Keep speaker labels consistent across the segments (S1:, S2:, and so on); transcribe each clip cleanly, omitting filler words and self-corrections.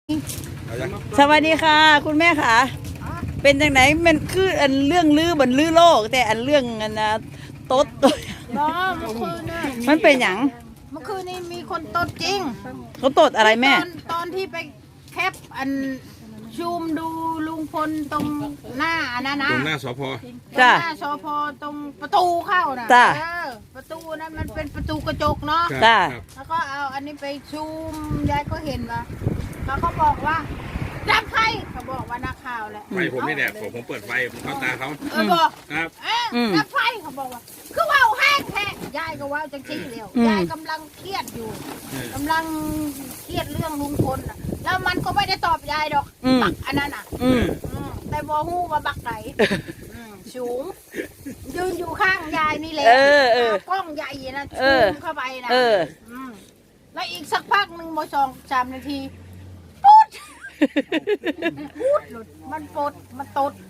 S1: สวัสดีค่ะคุณแม่ค่ะเป็นจังไหนมันคืออันเรื่องลือบนลือโลกแต่อันเรื่องอันนะโต๊ดตัว
S2: บ่เมื่อคืนน่ะ
S1: มันเป็นหยัง
S2: เมื่อคืนนี้มีคนตดจริง
S1: เขาโต๊ดอะไรแม่
S2: ตอนที่ไปแคปอันซูมดูลุงพลตรงหน้าอันนั้นนะ
S3: ตรงหน้าสพ
S1: จ้ะ
S2: หน้าสพตรงประตูเข้าน่ะ
S1: จ้ะ
S2: ประตูนั้นมันเป็นประตูกระจกเนาะ
S3: ครับ
S1: จ้า
S3: ครับ
S2: แล้วก็เอาอันนี้ไปซูมยายก็เห็นว่าเขาก็บอกว่าจับใครเขาบอกว่านักข่าวแหละ
S3: ไฟผมนี่แหละผมเปิดไฟผมเข้าตาเขา
S2: บอก
S3: ครับ
S2: จับไฟเขาบอกว่าคือว่าวแห้งแท้ยายก็ว่าวจังซี่แล้วยายกำลังเครียดอยู่กำลังเครียดเรื่องลุงพลน่ะแล้วมันก็ไม่ได้ตอบยายดอกบักอันนั้นอ่ะ แต่บอฮู้ว่าบักไหนสูงยืนอยู่ข้างยายนี่แหละกล้องใหญ่นะซูมเข้าไปนะแล้วอีกสักพักหนึ่งโม2-3 นาทีปุ๊ดปุ๊ดหลุดมันปดมันตด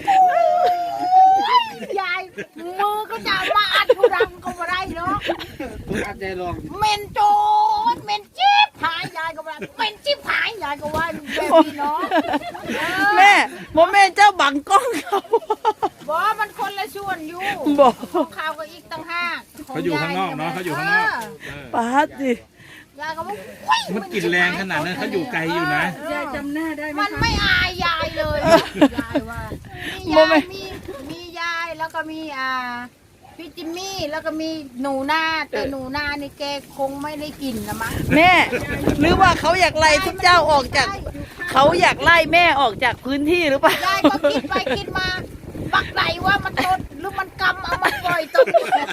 S2: ยายมือก็จะมาอัดผู้ดังก็ไม่ได้เนาะเมนโจดเมนจิ๊บหายยายก็ว่าเมนจิ๊บหายยายก็ว่าแบบนี้เนาะ
S1: แม่โมแม่เจ้าบังกล้องเขา
S2: บอกมันคนละส่วนอยู่
S1: บอก
S2: ของเขาก็อีกตั้งห้า
S3: เขาอยู่ข้างนอกเนาะเขาอยู่ข้างนอกเออ
S1: ป้าดิ
S2: ยายก็บอก
S3: มันกลิ่นแรงขนาดนั้นเขาอยู่ไกลอยู่นะ
S2: ยายจำหน้าได้มันไม่อายยายเลยยายว่ามียายแล้วก็มีพี่จิมมี่แล้วก็มีหนูนาแต่หนูนานี่แกคงไม่ได้กินนะมั้ง
S1: แม่หรือว่าเขาอยากไล่ทุกเจ้าออกจากเขาอยากไล่แม่ออกจากพื้นที่หรือเปล่าย
S2: ายก็คิดไปคิดมาบักไหนว่ามันตดหรือมันกำเอามาปล่อยตด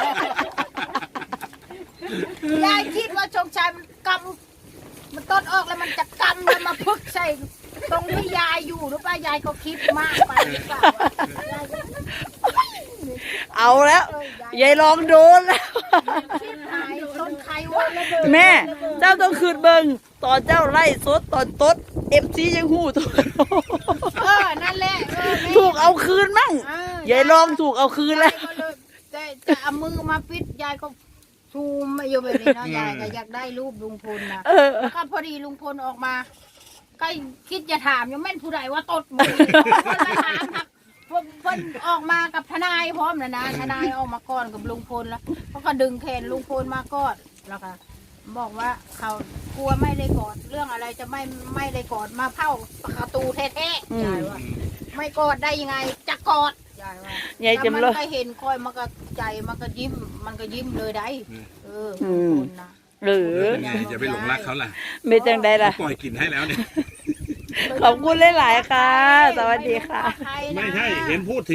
S2: ยายคิดว่าชงชัยมันกำมันตดออกแล้วมันจะกำแล้วมาพึกใส่ตรงที่ยายอยู่หรือเปล่ายายก็คิดมากไปหรือเปล่ายายก็
S1: เอาแล้วยายลองโดนแล้ว
S2: คิดหายต้นใครวะ
S1: แม่เจ้าต้องคืนเบิงตอนเจ้าไล่สดตอนตดFCยังหูถูก
S2: นั่นแหละแม่
S1: ถูกเอาคืนมั่งยายลองถูกเอาคืนแล้ว
S2: ยายก็เลยแต่เอามือมาปิดยายก็ซูมมาอยู่แบบนี้เนาะยายก็อยากได้รูปลุงพลนะแล้วก็พอดีลุงพลออกมาก็คิดจะถามยังแม่นผู้ใดว่าตดมือคนละถามครับเพิ่นออกมากับทนายพร้อมนะทนายออกมาก่อนกับลุงพลแล้วเขาก็ดึงแขนลุงพลมาก่อนแล้วก็บอกว่าเขากลัวไม่ได้กอดเรื่องอะไรจะไม่ได้กอดมาเผาประตูแท้ๆยายว่าไม่กอดได้ยังไงจะกอดยายว่าย
S1: ายจำ
S2: มั
S1: เลย
S2: ก็เห็นคอยมันก็ใจมันก็ยิ้มเลยได้ลุงพลนะ
S1: หรือ
S3: เป็นไงจะไปหลงรักเขาล่ะ
S1: ไม่จังใดล่ะ
S3: ปล่อยกลิ่นให้แล้วเนี่ย
S1: ขอบคุณหลายๆค่ะ สวัสดีค่ะ
S3: ไม่ใช่เห็นพูดถึง